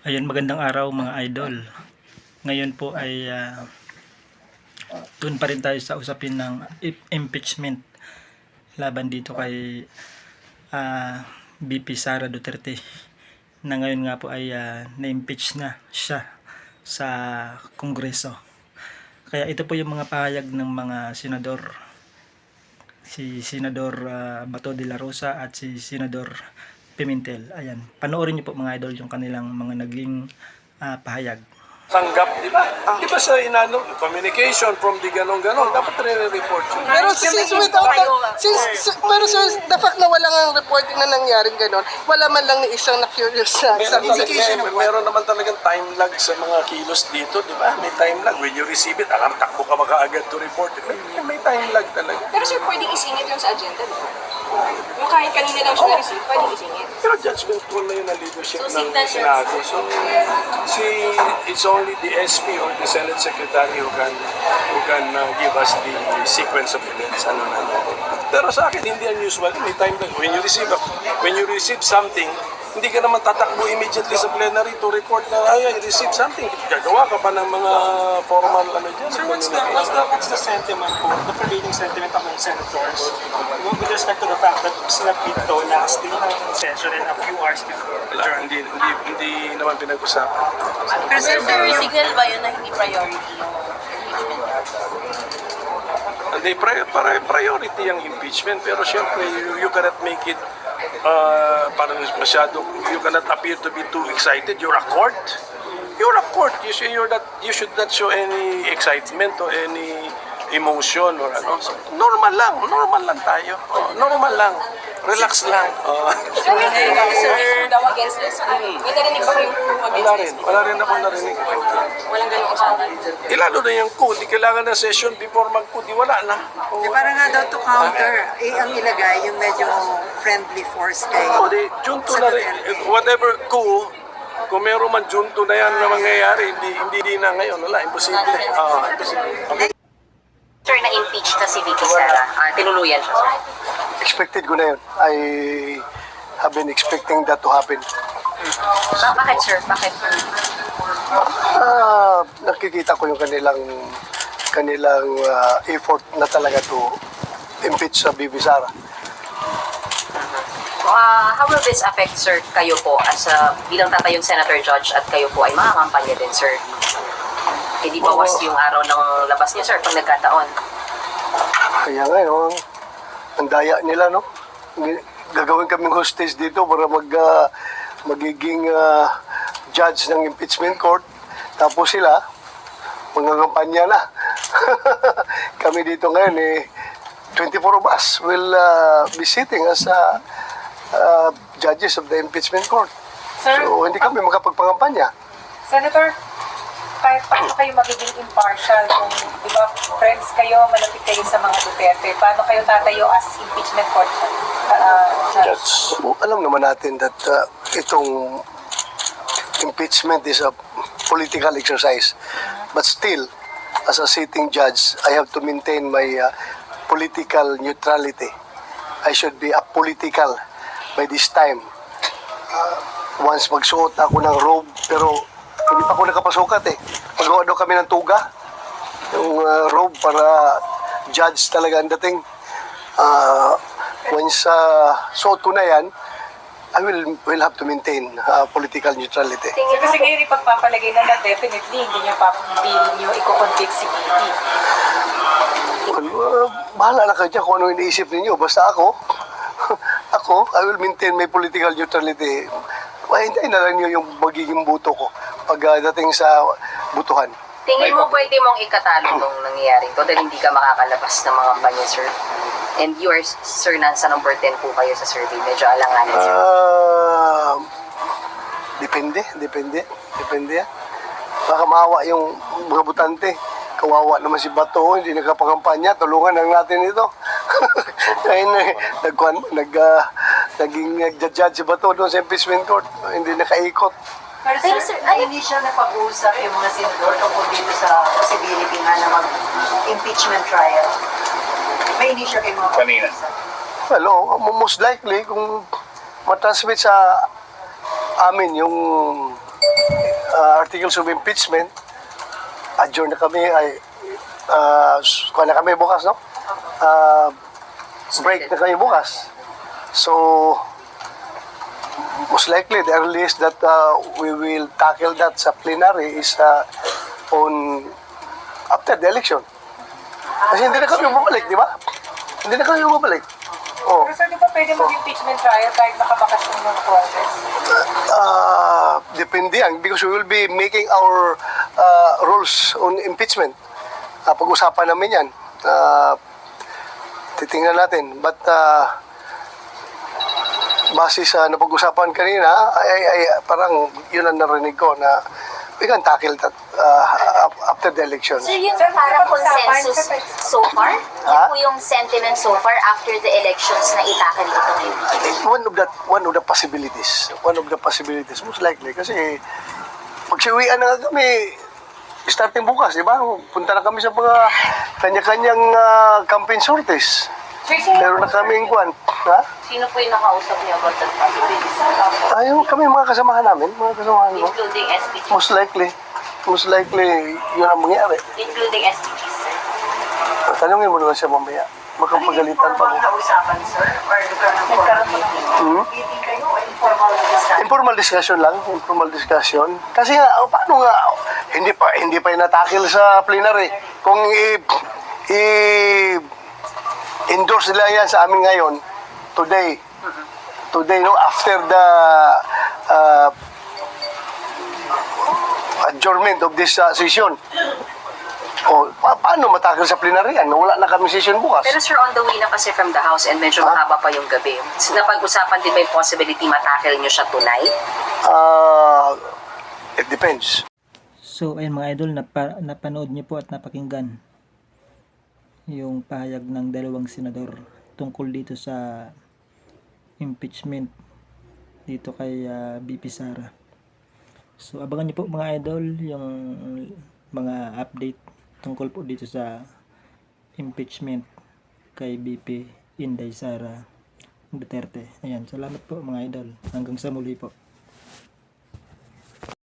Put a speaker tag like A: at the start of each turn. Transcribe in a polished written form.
A: Ayan, magandang araw mga idol. Ngayon po ay doon pa rin tayo sa usapin ng impeachment laban dito kay VP Sara Duterte, na ngayon nga po ay na-impeach na siya sa Kongreso. Kaya ito po yung mga pahayag ng mga senador, si Senador Bato de la Rosa at si Senador Pimentel. Ayan, panoorin niyo po mga idol yung kanilang mga naging pahayag.
B: Tanggap, di ba? Di ba sa inano, communication from the ganon-ganon, dapat re-report yun.
C: Pero since without pero since the fact na wala nga reporting na nangyaring ganon, wala man lang ni isang na-curious na
B: Meron, meron naman talagang time lag sa mga kilos dito, di ba? May time lag. When you receive it, alam, takbo ka makaagad to report it. May time lag talaga.
D: Pero sir, pwedeng isingit yung sa agenda, di ba? Yung kahit kanina lang siya na-receive, pwedeng isingit.
B: Pero judgment call na yun ang leadership
D: So,
B: ng
D: signal siya.
B: Senado. So, it's only the SP or the Senate Secretary who can give us the sequence of events. Pero sa akin, hindi unusual. May time lag. When you receive something, hindi ka naman tatakbo immediately sa plenary to report na I received something. Gagawa ka pa ng mga formal dyan.
E: Sir, what's the sentiment po, the prevailing sentiment among senators with respect to the fact that sila Pito last day ng session and a few hours before
B: Wala, hindi naman pinag-usapan.
D: Pero sir, signal ba yun na hindi priority yung impeachment?
B: Hindi, priority yung impeachment, pero syempre, you cannot make it parang masyado, you cannot appear to be too excited. You're a court. You should not show any excitement or any emotion or ano. So, normal lang tayo. Normal lang. Relax lang.
D: Sir, yung daw against this. May narinig ba yung against this?
B: Wala rin ako narinig.
D: Walang ganyung usapan.
B: Lalo na yung code, di kailangan ng session before mag-code, di wala na.
C: Eh, para nga daw to counter, ang ilagay yung medyo friendly force kay
B: Junto na rin. Whatever coup, kung meron man junto na yan na mangyayari, hindi na ngayon. Wala, imposible. Imposible.
D: Sir, na-impeach na si VP Sara. Tinuluyan siya, sir.
F: Expected ko na yun. I have been expecting that to happen.
D: Bakit, sir? Bakit?
F: Nakikita ko yung kanilang effort na talaga to impeach sa VP Sara.
D: How will this affect, sir, kayo po as bilang tatayong senator judge at kayo po ay makakampanya din, sir? Hindi bawas yung araw ng labas niya, sir, pag nagkataon.
F: Kaya nga, no, ang daya nila, no? Gagawin kaming hostage dito para magiging judge ng impeachment court. Tapos sila, magkakampanya na. Kami dito ngayon, 24 of us will be sitting as judges of the impeachment court.
G: Sir,
F: So, hindi kami makapagpangampanya.
G: Senator, kahit paano kayo magiging impartial kung, di ba, friends kayo, malapit kayo sa mga Duterte, paano kayo tatayo as impeachment court judge?
F: Alam naman natin that itong impeachment is a political exercise. But still, as a sitting judge, I have to maintain my political neutrality. I should be apolitical by this time. Once magsuot ako ng robe, pero hindi pa ako nakapasukat Magawa daw kami ng tuga. Yung robe para judge talaga ang dating. Once suot ko na yan, I will have to maintain political neutrality.
G: Sir, kasi ngayon ipagpapalagay na definitely hindi nyo i-convict si VP.
F: Bahala na kayo dyan kung ano iniisip ninyo. Basta ako, I will maintain my political neutrality. Hintayin na lang nyo yung magiging buto ko pagdating sa butuhan.
D: Tingin mo pwede mong ikatalo nung nangyayaring to dahil hindi ka makakalabas ng mga kampanya, sir? And yours, sir, nasa number 10 po kayo sa survey. Medyo alanganin, sir. Depende yan. Baka maawa yung mga butante. Kawawa naman si Bato, hindi nagkapangampanya. Tulungan lang natin ito. Ngayon, naging nagja-judge si Bato doon sa impeachment court. Hindi nakaikot.
C: Pero sir, hindi siya napag-uusap yung mga senador tungkol dito sa possibility nga na mag-impeachment trial. May initial kayo mga pag-uusap.
F: Well, most likely, kung matransmit sa amin yung articles of impeachment, adjourn na kami, kuha na kami bukas, no? Break na kami bukas. So, most likely, the earliest that we will tackle that sa plenary is on after the election. Kasi hindi na kami bumalik, di ba? Hindi na kami bumalik. Oh.
G: Pero sir, di ba pwede mag-impeachment trial kahit nakabakas ng process?
F: Depende yan because we will be making our rules on impeachment. Pag-usapan namin yan. Titingnan natin. But base sa napag-usapan kanina, parang yun ang narinig ko na we can tackle that after the election.
H: So yung parang consensus so far? Yan po yung sentiment so far after the elections na itakal ito ngayon?
F: One of the possibilities. One of the possibilities, most likely. Kasi magsiuwian na nga kami starting bukas, di ba? Punta na kami sa mga kanya-kanyang campaign sorties. Meron na kaming kwan. Ha?
D: Sino po yung nakausap niyo about that possibility?
F: Ayun, kami mga kasamahan namin. Mga kasamahan mo.
D: Including SPG?
F: Most likely, yun ang mangyari.
D: Including SPG, sir?
F: Tanungin mo naman siya mamaya. Makapagalitan pa mo.
C: Usapan, sir? Or nagkaroon po ng meeting kayo o informal discussion?
F: Informal discussion lang, informal discussion. Kasi nga, paano nga, hindi pa inatakil sa plenary. Kung endorse nila yan sa amin ngayon, today, no, after the adjournment of this session. O, paano matakil sa plenary yan? Wala na kami session bukas.
D: Pero sir, on the way na kasi from the house and medyo mahaba pa yung gabi. Napag-usapan din ba yung possibility matakil nyo siya tonight?
F: It depends.
A: So ayun mga idol, napanood niyo po at napakinggan yung pahayag ng dalawang senador tungkol dito sa impeachment dito kay BP Sara. So abangan niyo po mga idol yung mga update tungkol po dito sa impeachment kay BP Inday Sara Duterte. Ayan, salamat po mga idol. Hanggang sa muli po.